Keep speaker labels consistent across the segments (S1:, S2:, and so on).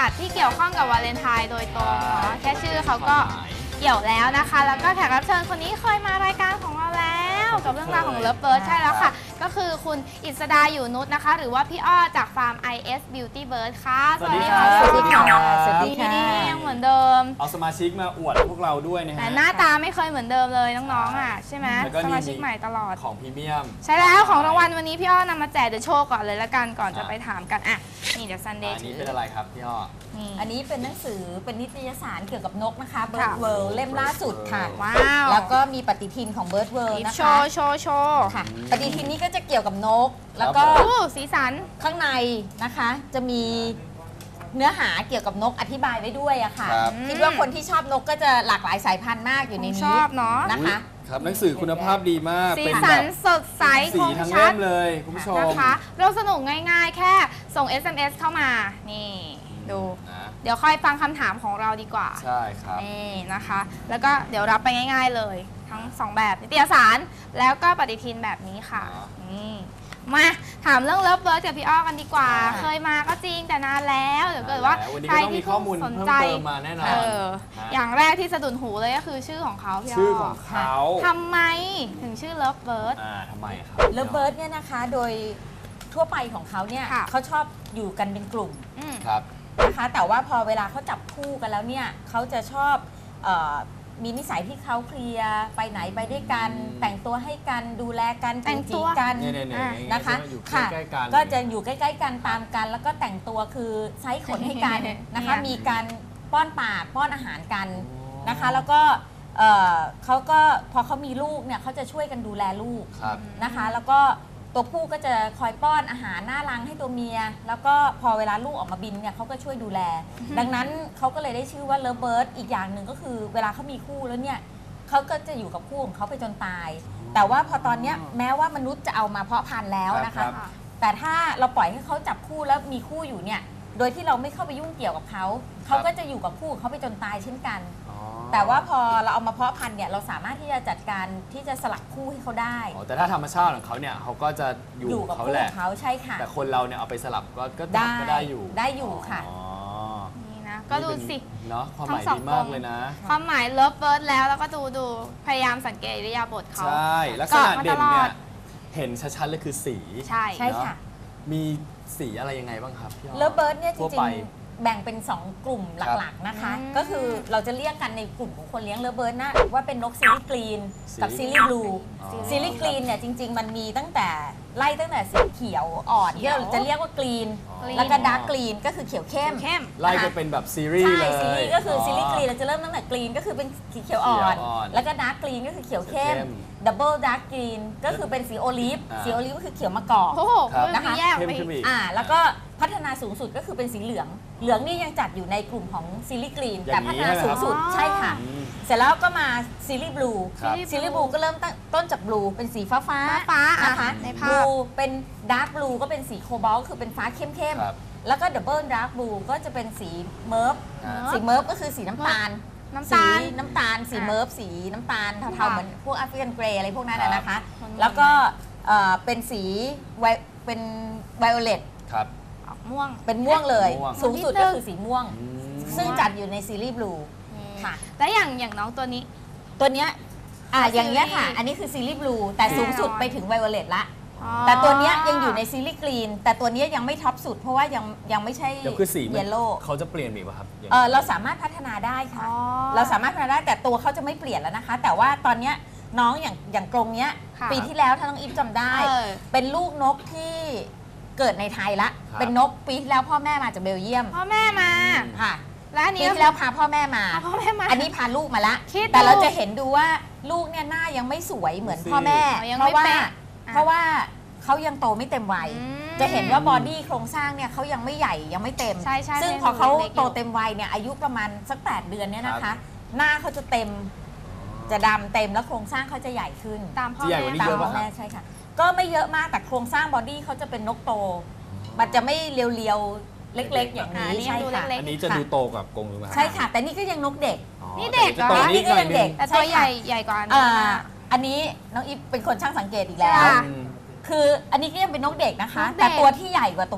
S1: ตว์ที่เกี่ยวข้องกับวาเลนไทน์โดยตรงเนาะแค่ชื่อเขาก็เกี่ยวแล้วนะคะ แล้วก็แขกรับเชิญคนนี้เคยมารายการของเราแล้วกับเรื่องราวของเลิฟเบิร์ดใช่แล้วค่ะก็คือคุณอิสดาอยู่นุชนะคะหรือว่าพี่อ้อจากฟาร์ม IS Beauty Bird ค่ะสวัสดีค่ะ
S2: สวัสดีค่ะ
S1: สวัสดีค่ะยังเหมือนเดิม
S2: เอาสมาชิกมาอวดพวกเราด้วยนะ
S1: แต่
S2: ฮะ
S1: หน้าตาไม่เคยเหมือนเดิมเลยน้องๆอ่ะใช่ไหม
S2: แล้วก็
S1: สมาชิกใหม่ตลอด
S2: ของพรีเมียม
S1: ใช่แล้วของรางวัลวันนี้พี่อ้อนำมาแจกเดี๋ยวโชว์ก่อนเลยละกันก่อนจะไปถามกันอ่ะนี่เดี๋ยวซันเดย์
S2: อัน
S1: ถื
S2: นี้
S1: อ
S2: เป็นอะไรครับพี่อ้อ
S1: นี่
S3: อันนี้เป็นหนังสือเป็นนิตยสารเกี่ยวกับนกนะคะ
S1: ค่ะ
S3: Bird World เล่มล่าสุดค่ะ
S1: ว้าว
S3: แล้วก็มีปฏิทินของ Bird World
S1: โช
S3: นะคะ
S1: ว์โชว์โชว์
S3: ค่ะปฏิทินนี้ก็จะเกี่ยวกับนก แล้วก็
S1: โอ้สีสัน
S3: ข้างในนะคะจะมีเนื้อหาเกี่ยวกับนกอธิบายไว้ด้วยอะค่ะ
S2: ครับ
S3: คิดว่าคนที่ชอบนกก็จะหลากหลายสายพันธุ์มากอยู่ใน
S1: ช
S3: นี้
S1: อบเนาะ
S3: นะคะ
S2: ครับหนังสือคุณภาพดีมาก
S1: สี
S2: เป็น
S1: สั
S2: แบ
S1: น
S2: บ
S1: สดใส
S2: สี
S1: คม
S2: ทั้ง
S1: ชั
S2: เล่
S1: ด
S2: มเลยคุณผู้ชม
S1: นะคะเราสนุกง่ายๆ แค่ส่ง SMS เข้ามานี่ดู
S2: นะ
S1: เดี๋ยวค่อยฟังคำถามของเราดีกว่า
S2: ใช่ครับ
S1: นี่นะคะ แล้วก็เดี๋ยวรับไปง่ายๆเลย ทั้ง 2 แบบนิตยสารแล้วก็ปฏิทินแบบนี้ค่ะนี่มาถามเรื่องเลิฟเบิร์ดกับพี่อ้อกันดีกว่า เคยมาก็จริงแต่นานแล้วเดี๋ยวเกิดว่า
S2: วันนี้
S1: ใคร
S2: ก็ต้องมี
S1: ที่
S2: ข้อมูล
S1: สน
S2: เพิ่ม
S1: ใจ
S2: เติมมาแน่นอน
S1: เออ
S2: ฮะ
S1: อย่างแรกที่สะดุดหูเลยก็คือชื่อของเขาพี่อ้อ
S2: ชื่อของเขา
S1: ทำไมถึงชื่อเลิฟเบิร์ด
S2: ทำไมครับ
S3: เลิฟเบิร์ดเนี่ยนะคะโดยทั่วไปของเขาเนี่ย
S1: ค่ะ
S3: เขาชอบอยู่กันเป็นกลุ่ม
S2: ครับ
S3: นะคะแต่ว่าพอเวลาเขาจับคู่กันแล้วเนี่ยเขาจะชอบมีนิสัยที่เขาเคลียร์ไปไหนไปด้วยกัน แต่งตัวให้กันดูแลกัน
S1: แต่งตั
S3: จี
S1: ว
S3: กัน
S2: เนี่ย
S3: นะคะ
S2: อยู่ใก
S3: ค่ะ
S2: ล้ๆกัน
S3: ก็จะอยู่ใกล้ๆกันตามกัน แล้วก็แต่งตัวคือไซส์ขนให้กันนะคะ
S1: เนี่ย
S3: มีการป้อนปากป้อนอาหารกันนะคะ แล้วก็เขาก็พอเขามีลูกเนี่ยเขาจะช่วยกันดูแลลูก
S2: ครับ
S3: นะคะแล้วก็ตัวผู้ก็จะคอยป้อนอาหารหน้ารังให้ตัวเมีย แล้วก็พอเวลาลูกออกมาบินเนี่ยเขาก็ช่วยดูแล ดังนั้นเขาก็เลยได้ชื่อว่าเลิฟเบิร์ดอีกอย่างหนึ่งก็คือเวลาเขามีคู่แล้วเนี่ยเขาก็จะอยู่กับคู่ของเขาไปจนตาย แต่ว่าพอตอนเนี้ยแม้ว่ามนุษย์จะเอามาเพาะพันธุ์แล้วนะ
S2: ครั
S3: คะ
S2: บ
S3: แต่ถ้าเราปล่อยให้เขาจับคู่แล้วมีคู่อยู่เนี่ยโดยที่เราไม่เข้าไปยุ่งเกี่ยวกับเขาเขาก็จะอยู่กับคู่ของเขาไปจนตายเช่นกัน
S2: อ๋อ
S3: แต่ว่าพอเราเอามาเพาะพันธุ์เนี่ยเราสามารถที่จะจัดการที่จะสลับคู่ให้เขาได้
S2: อ๋อแต่ถ้าธรรมชาติของเขาเนี่ยเขาก็จะอยู่
S3: อยู่
S2: ข
S3: กั
S2: อบ งเขา
S3: คู่
S2: แห
S3: ข
S2: ละ
S3: องเขาใช่ค่ะ
S2: แต่คนเราเนี่ยเอาไปสลับก็
S3: ได้
S2: ได้อยู่
S3: ได้อยู่ค่ะ
S2: อ๋อ
S1: นี่นะก็ดูสิ
S2: เนาะความหมาย
S1: ทั้งสอง
S2: ดีมาก
S1: องค์
S2: เลยนะ
S1: ความหมายเลิฟเบิร์ดแล้วก็ดูพยายามสังเกตอิริยาบถเขา
S2: ใช่ลักษณะเด่น
S1: เกาะมาตล
S2: เนี่
S1: อด
S2: ยเห็นชัดๆเลยคือสี
S1: ใช่
S3: ใช่ค่ะ
S2: เนอมีสีอะไรยังไงบ้างครับพี่อ้อ
S3: เลิฟเบิร์ดเนี่ยจ
S2: ทั่ว
S3: ริ
S2: ไป
S3: งๆ แบ่งเป็น 2 กลุ่มหลักๆนะคะ
S1: อืม
S3: ก็คือเราจะเรียกกันในกลุ่มของคนเลี้ยงเลิฟเบิร์ดนะว่าเป็นนกซีรีส์กรีนกับ
S2: ซี
S3: ซี
S2: รีส์
S3: รีส์บลู
S2: อ๋อ
S3: ซีรีส์กรีนเนี่ยจริง ๆ มันมีตั้งแต่ไล่ตั้งแต่สีเขียวอ่อนที่เราจะเรียกว่ากรีน
S2: อ๋อ
S3: แล้วก็ดาร์กกรีนก็คือเขียวเข้ม
S1: เข้ม
S2: ไล่ก็เป็นแบบซีรีส์
S3: ใช่
S2: เลย
S3: ซีรีส์ก็คือซีรีส์กรีนเราจะเริ่มตั้งแต่กรีนก็คือเป็นสีเขียวอ่อน
S2: เขียวอ่อน
S3: แล้วก็ดาร์กกรีนก็คือเขียวเข้ม
S2: เขียวเข้ม
S3: ดับเบิลดาร์กกรีนก็คือเป็นสีโอลิฟ
S2: อ่า
S3: สีโอลิฟก็คือเขียวมะกอก
S1: โอ้โห
S2: ครับ
S1: มันมีแยกออกไป
S2: เข้มขึ้น
S1: อี
S2: อี
S1: ก
S2: ก
S3: แล้วก็พัฒนาสูงสุดก็คือเป็นสีเหลือง เหลืองนี่ยังจัดอยู่ในกลุ่มของซีรีส์กรีน
S2: อ
S3: แต่
S2: ย่าง
S3: พั
S2: นี้
S3: ฒนาสูงสุด
S1: นะครับ
S3: ใช่ค่ะ
S2: อืม
S3: เสร็จแล้วก็มาซีรีส์บลู
S2: ครับ
S3: ซีรีส์บลูก็เริ่มต้นจากบลูเป็นสีฟ้าฟ้า
S1: ฟ้าๆ
S3: นะคะ
S1: ใน
S3: บ
S1: ภา
S3: ลู
S1: พ
S3: เป็นดาร์กบลูก็เป็นสีโคบอลต์คือเป็นฟ้าเข้ม
S2: ครับ
S3: ๆแล้วก็ดับเบิลดาร์กบลูก็จะเป็นสีเมิร์ฟ
S2: อ่า
S3: สีเมิร์ฟก็คือสีน้ำตาล
S1: น้ำ
S3: สี
S1: ตาล
S3: น้ำตาลสี
S1: อ่ะ
S3: เมิร์ฟสีน้ำตาลเทา
S1: ค่ะ
S3: ๆเหมือนพวกแอฟริกันเกรย์อะไรพวกนั้นนะนะคะ
S1: คน
S3: แล้วก็เป็นสีเป็นไวโอเลต
S2: ครับ
S1: ออกม่วง
S3: เป็นม่วงเลย
S2: ม่วง
S3: สูงสุดก็คือสีม่วง
S2: อืม
S3: ซึ่งจัดอยู่ในซีรีส์บลูค่ะ
S1: แล้วอย่างน้องตัวนี้
S3: ตัวเนี้ยอย่างเงี้ยค่ะ
S1: ซีรีส์
S3: อันนี้คือซีรีส์บลูแต่สูงสุดไปถึงไวโอเลตละ
S1: อ๋อ
S3: แต่ตัวเนี้ยยังอยู่ในซีรีส์กรีนแต่ตัวเนี้ยยังไม่ท็อปสุด เพราะว่ายังไม่ใช่
S2: เดี๋ยวคือสีมัน
S3: เยลโล่
S2: เขาจะเปลี่ยนอีกป่ะครับอย่าง
S3: เราสามารถพัฒนาได้
S1: อ๋
S3: ค่ะ
S1: อ
S3: เราสามารถพัฒนาได้แต่ตัวเขาจะไม่เปลี่ยนแล้วนะคะ แต่ว่าตอนเนี้ยน้องอย่างกรงเนี้ย
S1: ค่ะ
S3: ปีที่แล้วถ้าน้องอีฟจำได้
S1: เออ
S3: เป็นลูกนกที่เกิดในไทยละ เป็นนกปีที่แล้วพ่อแม่มาจากเบลเยียม
S1: พ่อแม่มา
S3: ค่ะ
S1: แล้วอัน
S3: ปี
S1: นี้
S3: ที่แล้วพาพ่อแม่มา
S1: พ่อแม่มา
S3: อันนี้พาลูกมาละ
S1: คิดดู
S3: แต่เราจะเห็นดูว่าลูกเนี่ยหน้ายังไม่สวยเหมือนพ่อแม่
S1: อ๋อยัง
S3: เพ
S1: ไม่
S3: ราะว่า
S1: เป๊ะ
S3: เพราะว่าเขายังโตไม่เต็มวัย
S1: อืม
S3: จะเห็นว่าบอดี้โครงสร้างเนี่ยเขายังไม่ใหญ่ยังไม่เต็ม
S1: ใช่ใช่
S3: ซึ่ง
S1: ใช่
S3: พอเขา
S1: เล็กๆอยู่
S3: โตเต็มวัยเนี่ยอายุประมาณสัก 8 เดือนเนี่ยนะ
S2: ครั
S3: คะ
S2: บ
S3: หน้าเขาจะเต็มจะดำเต็มแล้วโครงสร้างเขาจะใหญ่ขึ้น
S1: ตามพ่อ
S2: ที่ใหญ่
S1: แม่
S2: กว่านี้
S3: ตาม
S2: เยอะ
S3: พ่
S2: ปะ
S3: อ
S2: ครับ
S3: แม่ใช่ค่ะ ก็ไม่เยอะมากแต่โครงสร้างบอดี้เขาจะเป็นนกโต มันจะไม่เรียวๆเล็กๆ อย่างนี้
S1: นี่
S3: ใช่
S1: ดู
S3: ค่ะ
S1: เล็ก
S2: อันนี้จะดูโตกับกรงหรือเปล่า
S3: ใช่ค่ะ แต่นี่ก็ยังนกเด็ก
S2: อ๋อ
S1: นี่เด็กเหรอ
S2: แต่จะโต
S3: นี่ก็
S2: ห
S3: ยังเด็ก
S1: แต่ตัวใหญ่ใหญ่กว่าอันนี้มาก
S3: อันนี้น้องอีฟเป็นคนช่างสังเกตอีกแล้ว
S1: ค่ะ
S2: อืม
S3: คืออันนี้ก็ยังเป็นนกเด็กนะคะ
S1: นกเด็ก
S3: แต่ตัวที่ใหญ่กว่าตรงนี้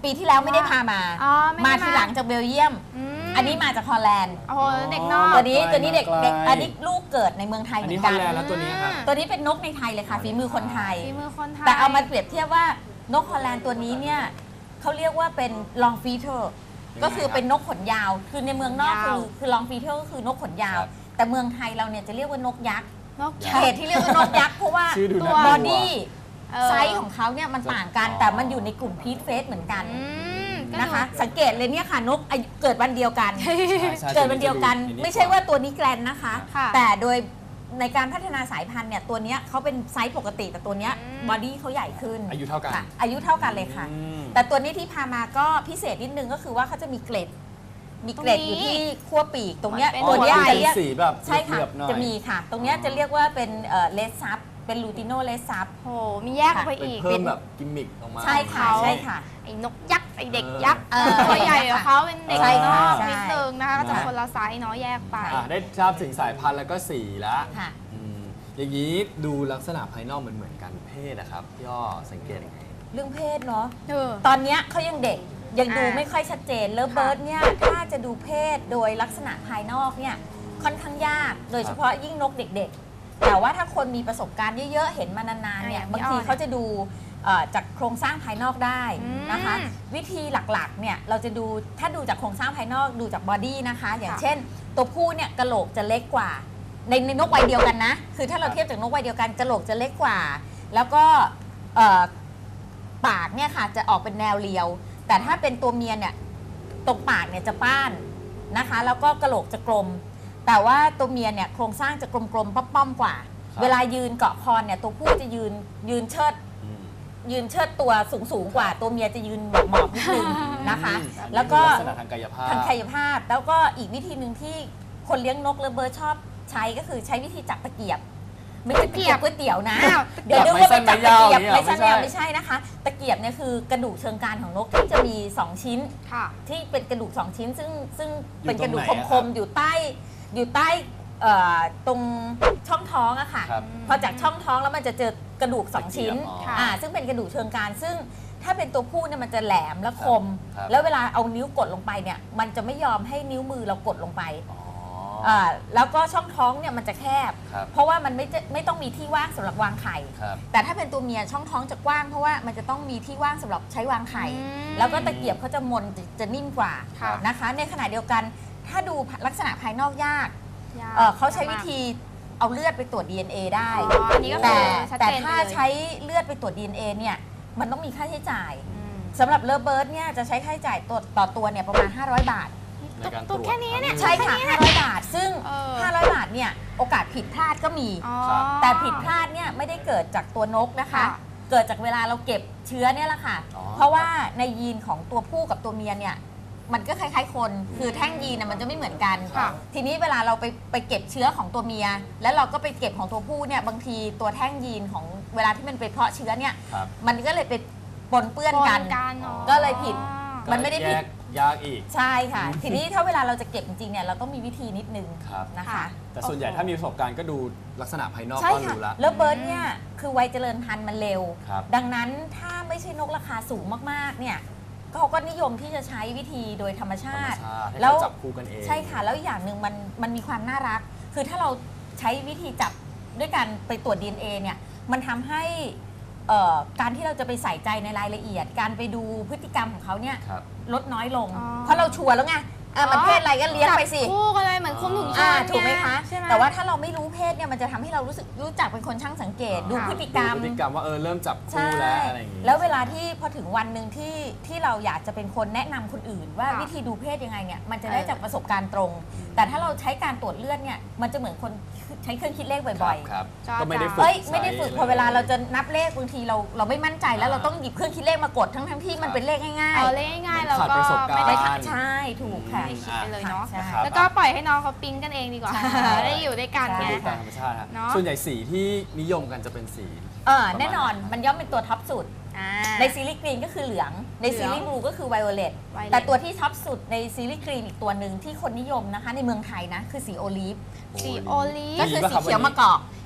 S3: ปีที่แล้วไม่ได้พามา
S1: อ๋อไม่ได้
S3: มาทีหลังจากเบลเยียม อันนี้มาจากฮอลแลนด์
S1: โอ้โหเด็กนอก
S3: ตัวนี้เด็ก
S2: ไกล
S3: อันนี้ลูกเกิดในเมืองไทย
S2: อั
S3: เห
S2: น
S3: มื
S2: นี้
S3: อน
S2: ฮอ
S3: กั
S2: ล
S3: น
S2: แลนด์แล้วตัวนี้ครับ
S3: ตัวนี้เป็นนกในไทยเลยค่ะฝีมือคนไทย
S1: ฝีมือคนไทย
S3: แต่เอามาเปรียบเทียบว่านกฮอลแลนด์ตัวนี้เนี่ยเขาเรียกว่าเป็น long feeder
S2: ยังไง
S3: ก็คือเป็นนกขนยาว คือในเมืองนอก
S1: ยาว
S3: คือ long feeder ก็คือนกขนยาว
S2: ครับ
S3: แต่เมืองไทยเราเนี่ยจะเรียกว่านกยักษ์
S1: นก
S3: เหตุที่เรียกว่านกยักษ์เพราะว่า
S2: ชื่อดู
S1: ตั
S2: น่าว ก
S3: บ
S2: ลั
S3: อ
S2: ว
S3: ดี้
S1: เออ
S3: ไซส์ของเขาเนี่ยมันต่างกัน
S2: อ๋อ
S3: แต่มันอยู่ในกลุ่มพีทเฟสเหมือนกัน
S1: อืมก็
S3: นะคะ สังเกตเลยเนี่ยค่ะนกอายุเกิดวันเดียวกัน
S2: ใช่ใช่
S3: เกิดวันเดียวกัน
S2: ตัวนี้
S3: ไม่ใช่ว่าตัวนี้แกรนนะคะ
S1: ค่ะ
S3: แต่โดยในการพัฒนาสายพันธุ์เนี่ยตัวเนี้ยเขาเป็นไซส์ปกติแต่ตัวเนี้ย
S1: อืม
S3: บอดี้เขาใหญ่ขึ้น
S2: อายุเท่ากัน
S3: ค่ะอายุเท่ากันเลยค่ะ
S2: อืม
S3: แต่ตัวนี้ที่พามาก็พิเศษนิดนึงก็คือว่าเขาจะมีเกล็ด มีเกล็ดอยู่ที่ขั้วปีกตรงเนี้ย
S1: เป็น
S3: ตัวเนี้ย
S1: หัวไหล่
S3: จะเรียก
S2: สีแบบ
S3: ใช่ค่ะ
S2: เหลือบๆหน่อย
S3: จะมีค่ะ ตรงเนี้ยจะเรียกว่าเป็นเลสซับเป็นลูติโนเลสซับ
S1: โหมีแยกออกไป
S2: เป็น
S1: อีก
S2: เพิ่มแบบกิมมิคออกมา
S3: ใช่ค่ะ
S1: เขา
S3: ใช่ค่ะ
S1: ไอ้นกยักษ์ไอ้เด็กยักษ์
S3: เออ
S1: ตัวใหญ่กว่าเขาเป็นเด็ก
S3: ใช่
S1: น
S3: ค่ะ
S1: อก
S3: ใช่
S1: นิดนึงนะคะก็จะคนละไซส์เนาะแยกไป
S2: ได้ทราบถึงสายพันธุ์แล้วก็สีแล้ว
S3: ค่ะ
S2: อืมอย่างนี้ดูลักษณะภายนอกเหมือนกันเพศนะครับพี่อ้อสังเกตยังไง
S3: เรื่องเพศเนาะ
S1: เออ
S3: ตอนเนี้ยเขายังเด็กยังดู
S1: อ่า
S3: ไม่ค่อยชัดเจนเลิฟเบิร์ดเนี่ยถ้าจะดูเพศโดยลักษณะภายนอกเนี่ยค่อนข้างยาก โดยเฉพาะยิ่งนกเด็กๆ แต่ว่าถ้าคนมีประสบการณ์เยอะๆ เห็นมานานๆเนี่ย
S1: อย่าง
S3: บาง
S1: พี่อ้
S3: ที
S1: อ
S3: เขาจะดูจากโครงสร้างภายนอกได้นะคะ
S1: อืม
S3: วิธีหลักๆเนี่ยเราจะดูถ้าดูจากโครงสร้างภายนอกดูจากบอดี้นะคะ อย่าง
S1: ค่ะ
S3: เช่น ตัวผู้เนี่ยกะโหลกจะเล็กกว่าในนกวัยเดียวกันนะ คือถ้าเราเทียบจากนกวัยเดียวกันกะโหลกจะเล็กกว่า แล้วก็เอ่อปากเนี่ยค่ะจะออกเป็นแนวเรียว แต่ถ้าเป็นตัวเมียเนี่ยตรงปากเนี่ยจะป้านนะคะ แล้วก็กะโหลกจะกลม แต่ว่าตัวเมียเนี่ยโครงสร้างจะกลมๆป้อมๆกว่า
S2: ครับ
S3: เวลายืนเกาะคอเนี่ยตัวผู้จะยืนเชิด
S2: อืม
S3: ยืนเชิดตัวสูงกว่า ตัวเมียจะยืนหมอบๆนิดนึงนะคะ
S2: อืม
S3: แล้วก็
S2: ลักษณะทางกายภาพ
S3: ทางกายภาพแล้วก็อีกวิธีหนึ่งที่คนเลี้ยงนกเลเบิร์ดชอบใช้ก็คือใช้วิธีจับตะเกียบ ไม่ใช่ตะเกียบก๋วยเตี๋ยวนะ
S1: อ้าว
S3: เดี๋ยวนึกว่าไปจับตะเกียบ
S2: ไม่
S3: ไม่
S2: ใช่
S3: ใช่
S2: ไม่
S3: ไม่
S2: ใช่
S3: ใช่นะคะ ตะเกียบเนี่ยคือกระดูกเชิงกรานของนกที่จะมี 2 ชิ้น
S1: ค่ะ
S3: ที่เป็นกระดูก 2 ชิ้น ซึ่ง
S2: อยู่
S3: เป็นกระดูก
S2: ตรงไหนอะ
S3: คมๆอยู่ใต้ตรงช่องท้องอะค่ะ
S2: ครับ
S3: พอจากช่องท้องแล้วมันจะเจอกระดูก 2 ชิ้น
S2: อ๋อ
S1: ค่ะ
S3: ซึ่งเป็นกระดูกเชิงกรานซึ่งถ้าเป็นตัวผู้เนี่ยมันจะแหลมและคม
S2: ครับ
S3: แล้วเวลาเอานิ้วกดลงไปเนี่ยมันจะไม่ยอมให้นิ้วมือเรากดลงไป
S2: อ๋อ
S3: แล้วก็ช่องท้องเนี่ยมันจะแคบ
S2: ครับ
S3: เพราะว่ามันไม่ต้องมีที่ว่างสำหรับวางไข่
S2: ครับ
S3: แต่ถ้าเป็นตัวเมียช่องท้องจะกว้างเพราะว่ามันจะต้องมีที่ว่างสำหรับใช้วางไข่
S1: อืม
S3: แล้วก็ตะเกียบเขาจะมนจะนิ่มกว่า
S1: ค่ะ
S3: นะคะ ในขณะเดียวกันถ้าดูลักษณะภายนอกยาก
S1: ยาก
S3: เขาใช้วิธีเอาเลือดไปตรวจ DNA ได้
S1: อ๋ออันนี้ก็คื
S3: แต่
S1: อชัด
S3: แต่
S1: เจนไป
S3: ถ้า
S1: เลย
S3: ใช้เลือดไปตรวจ DNA เนี่ยมันต้องมีค่าใช้จ่าย
S1: อืม
S3: สำหรับเลเบิร์ดเนี่ยจะใช้ค่าใช้จ่ายต่อตัวเนี่ยประมาณ 500 บาท
S2: ในการตร
S1: ตัว
S2: วจ
S1: แค่นี้เนี่ย
S3: ใช่ค่ะ 500 บาท ซึ่ง
S1: เออ
S3: 500 บาทเนี่ยโอกาสผิดพลาดก็มี
S1: อ๋อ
S2: ครับ
S3: แต่ผิดพลาดเนี่ยไม่ได้เกิดจากตัวนกนะคะ
S1: ค่ะ
S3: เกิดจากเวลาเราเก็บเชื้อเนี่ยแหละค่ะ
S2: อ๋อ
S3: เพราะว่าในยีนของตัวผู้กับตัวเมียเนี่ยมันก็คล้ายๆคน คือแท่งยีนน่ะมันจะไม่เหมือนกัน
S1: ค่ะ
S3: ทีนี้เวลาเราไปเก็บเชื้อของตัวเมีย แล้วเราก็ไปเก็บของตัวผู้เนี่ยบางทีตัวแท่งยีนของเวลาที่มันไปเพาะเชื้อเนี่ย
S2: ครับ
S3: มันก็เลยไปปนเปื้อนกัน
S1: อ๋อ
S3: ก็เลยผิด มันไม่ได้ผิด
S2: แยกยากอีก
S3: ใช่ค่ะ ทีนี้ถ้าเวลาเราจะเก็บจริงๆเนี่ยเราต้องมีวิธีนิดนึง
S2: ครับ
S3: นะคะ
S1: ค่ะ
S2: แต่ส่วนใหญ่ถ้ามีประสบการณ์ก็ดูลักษณะภายนอก
S3: ใช่
S2: ก็
S3: ค่ะ
S2: รู้ละ
S3: แล้วเบิร์ดเนี่ยคือวัยเจริญพันธุ์มันเร็ว
S2: ครับ
S3: ดังนั้นถ้าไม่ใช่นกราคาสูงมากๆเนี่ยเขาก็นิยมที่จะใช้วิธีโดยธรรม
S2: ธร
S3: ชาร
S2: ม
S3: ติ
S2: ชาติให้
S3: แล้ว
S2: เขาจับคู่กันเอง
S3: ใช่ค่ะ แล้วอย่างหนึ่งมันมีความน่ารัก คือถ้าเราใช้วิธีจับด้วยการไปตรวจ DNA เนี่ยมันทำให้การที่เราจะไปใส่ใจในรายละเอียด การไปดูพฤติกรรมของเขาเนี่ย
S2: ครับ
S3: ลดน้อยลง
S1: อ๋อ
S3: เพราะเราชัวร์แล้วไงมันเพศอะไรก็เลี้ยงไปสิ
S1: จับคู่กันเลยเหมือนคุมถุงชน
S3: ถูกไหมคะ
S1: ใช่ไหม
S3: แต่ว่าถ้าเราไม่รู้เพศเนี่ยมันจะทำให้เรารู้จักเป็นคนช่างสังเกต ดูพฤติกรรม
S2: ดูพฤติกรรมว่าเริ่มจับ
S3: ใช่
S2: คู่แล้วอะไรอย่างงี้
S3: แล้วเวลาที่พอถึงวันหนึ่งที่เราอยากจะเป็นคนแนะนำคนอื่น ว่า
S1: ค่ะ
S3: วิธีดูเพศยังไงเนี่ยมันจะได้
S1: เออ
S3: จากประสบการณ์ตรง แต่ถ้าเราใช้การตรวจเลือดเนี่ยมันจะเหมือนคนใช้เครื่องคิดเลขบ่อย
S2: ครับ
S1: จ้า
S2: ก็ไม่ได้
S3: ๆ
S2: ฝึก
S3: เอ้ยไม่ได้ฝึก
S2: ใช้
S3: พอเวลาเราจะนับเลขบางทีเราไม่มั่นใจแล้วเราต้องหยิบเครื่องคิดเลขมากดทั้งที่มันเป็นเลขง่าย
S1: เอาเลยง่ายๆเรา
S2: ขาด
S1: ก็
S2: ประสบการณ์
S1: ไม่
S3: ๆ
S1: ได้
S3: ใช่ถูกค่ะ
S1: ไม่คิดไปเลยเนาะ
S3: ใช่
S2: ครับ
S1: แล้วก็ปล่อยให้น้องเขาปิ๊งกันเองดีกว่า
S3: ใช่
S1: ได้อยู่ด้วยกัน
S3: ใช่
S1: ไง
S2: ดูตามธรรมชาติฮะ
S1: เนอะ
S2: ส่วนใหญ่สีที่นิยมกันจะเป็นสี
S3: แน่นอนมันย่อมเป็นตัวท็อปสุด
S1: อ่า
S3: ในซีรีส์กรีนก็คือเหลือง ในซีรีส์บลูก็คือไวโอเลต
S1: Violet
S3: แต่ตัวที่ท็อปสุดในซีรีส์กรีนอีกตัวหนึ่งที่คนนิยมนะคะ ในเมืองไทยนะ คือสีโอลีฟ
S1: สีโอลีฟ
S3: ก็คือสีเขียวมะกอก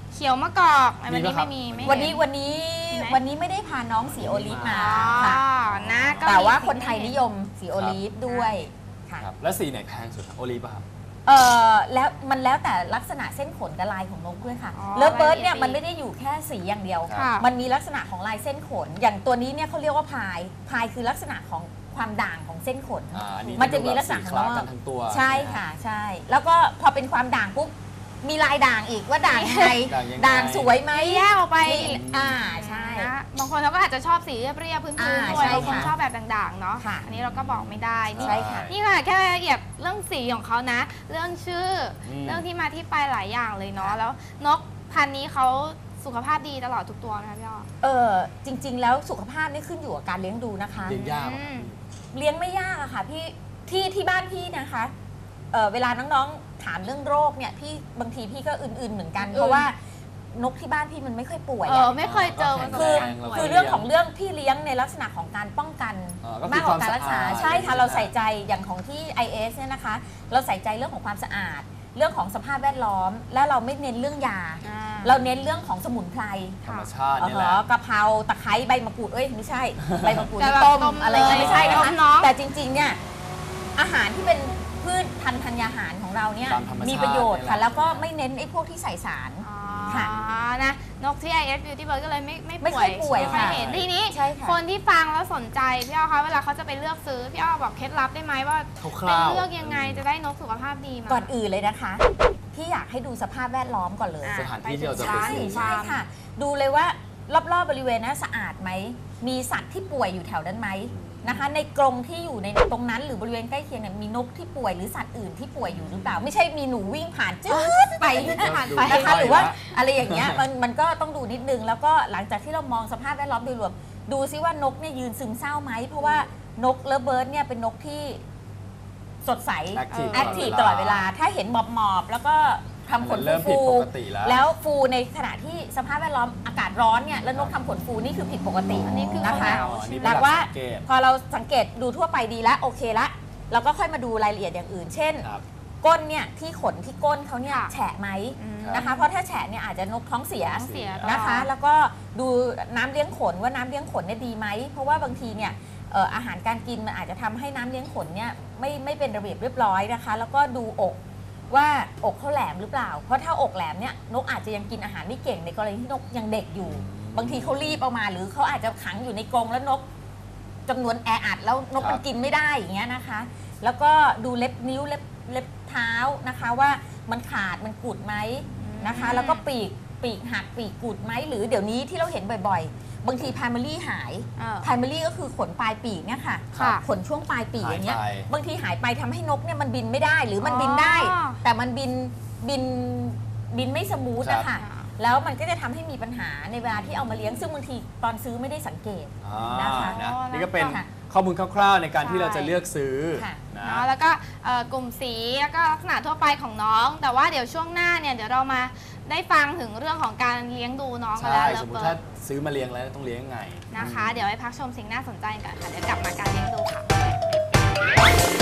S1: เขียวมะกอกวันนี้
S2: มีปะครับ
S1: ไม่มีไม่
S3: วัน
S1: เห็
S3: นี้
S1: น
S3: วันนี้
S1: ไหน
S3: วันนี้ไม่ได้พาน้องสีโอลิฟมา
S1: อ๋อ
S3: ค่ะ
S1: นะก็
S3: แต่ว่า
S1: มี
S3: คนไทยนิยมสีโอลิฟด้วยค่ะ
S2: ครับแล้วสีไหนแพงสุดครับโอลีฟป่ะครับ
S3: แล้วมันแล้วแต่ลักษณะเส้นขนกับลายของนกด้วยค่ะ
S1: อ๋อ
S3: เลิฟเบิร์ดเนี่ย
S1: รายละเอียด
S3: มันไม่ได้อยู่แค่สีอย่างเดียว
S1: ค่ะ
S3: มันมีลักษณะของลายเส้นขน อย่างตัวนี้เนี่ยเขาเรียกว่าพายคือลักษณะของความด่างของเส้นขน
S2: อันนี้
S3: มันจะมีลักษณะ
S2: สี
S3: ข
S2: ค
S3: อง
S2: ล้า
S3: ว่า
S2: กันทั้งตัว
S3: ใช่ค่ะใช่ แล้วก็พอเป็นความด่างปุ๊บมีลายด่างอีกว่าด่างยังไง
S2: ด่างยังไง
S3: ด่างสวยไหม
S1: แยกออกไป
S3: นี่ใช่
S1: นะบางคนเขาก็อาจจะชอบสีเรียบๆพื้นๆ
S3: อ่า
S1: ด้วย
S3: ใช่
S1: บางคน
S3: ค่ะ
S1: ชอบแบบด่างๆเนาะ
S3: ค่ะ
S1: อันนี้เราก็บอกไม่ได้นี่
S3: ใช่ค่ะ
S1: นี่ค่ะแค่รายละเอียดเรื่องสีของเขานะ เรื่องชื่ออ
S2: ม
S1: เรื่องที่มาที่ไปหลายอย่างเลยเนาะแล้วนกพันธุ์นี้เขาสุขภาพดีตลอดทุกตัวไหมคะพี่อ้อ
S3: จริง ๆ แล้วสุขภาพนี่ขึ้นอยู่กับการเลี้ยงดูนะคะ
S2: เลี้ยงยาก
S1: อืม
S3: เลี้ยงไม่ยากอะค่ะพี่ที่บ้านพี่นะคะเวลาน้องๆถามเรื่องโรคเนี่ยพี่บางทีพี่ก็อื่นๆเหมือนกัน เพราะว่านกที่บ้านพี่มันไม่ค่อยป่วย
S1: เอ
S3: อะ
S1: อไม่เคยเจอมัน
S3: คือ
S1: แข็งแรง
S3: คือเรื่องของเรื่องพี่เลี้ยงในลักษณะของการป้องกัน
S2: ก็คือ
S3: มากกว่าการรักษา
S2: ความสะอาด
S3: ใช่ค่ะ
S2: ใช่ไหม
S3: เราใส่ใจอย่างของที่ IS เนี่ยนะคะ เราใส่ใจเรื่องของความสะอาด เรื่องของสภาพแวดล้อม และเราไม่เน้นเรื่องยา
S1: อ่า
S3: เราเน้นเรื่องของสมุนไพร
S2: ธรรมชาตินี่แหละ
S3: กะเพราตะไคร้ใบมะกรูดไม่ใช่ ใบมะกรูด
S1: แต่
S3: นี่
S1: แบบ
S3: ต้ม
S1: ต้ม
S3: อะไรเงี้ย
S1: เลย
S3: ไม่ใช่นะ
S1: ต้
S3: คะ
S1: มเนอะ
S3: แต่จริงๆเนี่ยอาหารที่เป็นพืชพันธุ์ธัญญาหารของเราเนี่ย
S2: ตามธรรมชาติ
S3: มีประโยชน์ค่ะ
S2: นี่แหละ
S3: แล้วก็ไม่เน้นไอ้พวกที่ใส่สาร
S1: อ๋อ
S3: ค่ะ
S1: นะนกที่ IS Beauty Bird ก็เลยไม่
S3: ไม่ค่อยป่วย
S1: ไม่ค่อย
S3: ค่ะ
S1: เห็นทีนี้
S3: ใช่ค่ะ
S1: คนที่ฟังแล้วสนใจพี่อ้อคะเวลาเขาจะไปเลือกซื้อพี่อ้อบอกเคล็ดลับได้ไหมว่า
S2: ค
S1: เป็น
S2: ร่าวๆ
S1: เลือกยังไงจะได้นกสุขภาพดีมา
S3: ก่อนอื่นเลยนะคะ พี่อยากให้ดูสภาพแวดล้อมก่อนเลย
S1: อ่ะ
S2: สถานที่ที่เราจะไป
S3: ใช่
S2: ซื้อ
S3: ใช่ค่ะ ดูเลยว่ารอบๆบริเวณนั้นสะอาดไหม มีสัตว์ที่ป่วยอยู่แถวนั้นไหมนะคะ ในกรงที่อยู่ในตรงนั้นหรือบริเวณใกล้เคียงเนี่ยมีนกที่ป่วยหรือสัตว์อื่นที่ป่วยอยู่หรือเปล่า ไม่ใช่มีหนูวิ่งผ่านจืดไป
S1: ผ่านไป
S3: นะคะหรือว่าอะไรอย่างเงี้ยมันก็ต้องดูนิดนึง แล้วก็หลังจากที่เรามองสภาพแวดล้อมโดยรวมดูซิว่านกเนี่ยยืนซึมเศร้าไหมเพราะว่านกเลิฟเบิร์ดเนี่ยเป็นนกที่สดใส
S2: Active
S3: แอคทีฟตลอดเวลา ถ้าเห็นหมอบๆแล้วก็ทำขน
S2: เริ่มผิ
S3: ฟู
S2: ดป
S3: ๆ
S2: กติแล้ว
S3: แล้วฟูในขณะที่สภาพแวดล้อมอากาศร้อนเนี่ยแล้วนกทำขนฟูนี่คือผิดปกติ
S1: อันนี้คือ
S3: นะคะ
S1: เขา
S2: อันนี้
S1: ใช่ไหม
S2: เป็นหลัก
S3: ว่า
S2: สังเกต
S3: พอเราสังเกตดูทั่วไปดีแล้วโอเคละเราก็ค่อยมาดูรายละเอียดอย่างอื่น เช่น
S2: ครับ
S3: ก้นเนี่ยที่ขนที่ก้นเขาเนี่ย
S1: ค่ะ
S3: แฉะไหม
S1: อืม
S3: นะคะ เพราะถ้าแฉะเนี่ยอาจจะนกท้องเสีย
S1: ท้องเสีย
S3: นะคะ แล้วก็ดูน้ำเลี้ยงขนว่าน้ำเลี้ยงขนเนี่ยดีไหมเพราะว่าบางทีเนี่ยอาหารการกินมันอาจจะทำให้น้ำเลี้ยงขนเนี่ยไม่เป็นระเบียบเรียบร้อยนะคะ แล้วก็ดูอกว่าอกเขาแหลมหรือเปล่า เพราะถ้าอกแหลมเนี่ยนกอาจจะยังกินอาหารไม่เก่งในกรณีที่นกยังเด็กอยู่ บางทีเขารีบเอามาหรือเขาอาจจะขังอยู่ในกรงแล้วนกจำนวนแออัดแล้วนก
S2: ครับ
S3: มันกินไม่ได้อย่างเงี้ยนะคะ แล้วก็ดูเล็บนิ้วเล็บเท้านะคะว่ามันขาดมันกุดไหมนะคะ แล้วก็ปีกหักปีกกุดไหมหรือเดี๋ยวนี้ที่เราเห็นบ่อยๆ บางที primary หาย primary ก็คือขนปลายปีกเนี่ยค่ะ
S1: ค่ะ
S3: ขนช่วงปลายปีกอย่างเงี้ย
S2: หายไป
S3: บางทีหายไปทำให้นกเนี่ยมันบินไม่ได้หรือมันบินได้
S1: อ๋อ
S3: แต่มันบินไม่สมูทนะ
S2: ครั
S3: คะ
S2: บ
S3: แล้วมันก็จะทำให้มีปัญหาในเวลาที่เอามาเลี้ยงซึ่งบางทีตอนซื้อไม่ได้สังเกต นะคะ
S2: นะนี่ก็เป็น
S3: ค่ะ
S2: ข้อมูลคร่าวๆในการที่
S1: ใช่
S2: เราจะเลือกซื้อ
S3: ค่ะ
S2: นะ
S1: เนาะแล้วก็กลุ่มสีแล้วก็ลักษณะทั่วไปของน้อง แต่ว่าเดี๋ยวช่วงหน้าเนี่ยเดี๋ยวเรามาได้ฟังถึงเรื่องของการเลี้ยงดูน้องกัน
S2: ใช่
S1: แล้ว
S2: สมม
S1: เลิ
S2: ติ
S1: ฟ
S2: ถ้า
S1: เบิร์ด
S2: ซื้อมาเลี้ยงแล้วต้องเลี้ยงยังไง
S1: นะคะ เดี๋ยวไปพักชมสิ่งน่าสนใจกันค่ะเดี๋ยวกลับมาการเลี้ยงดูค่ะ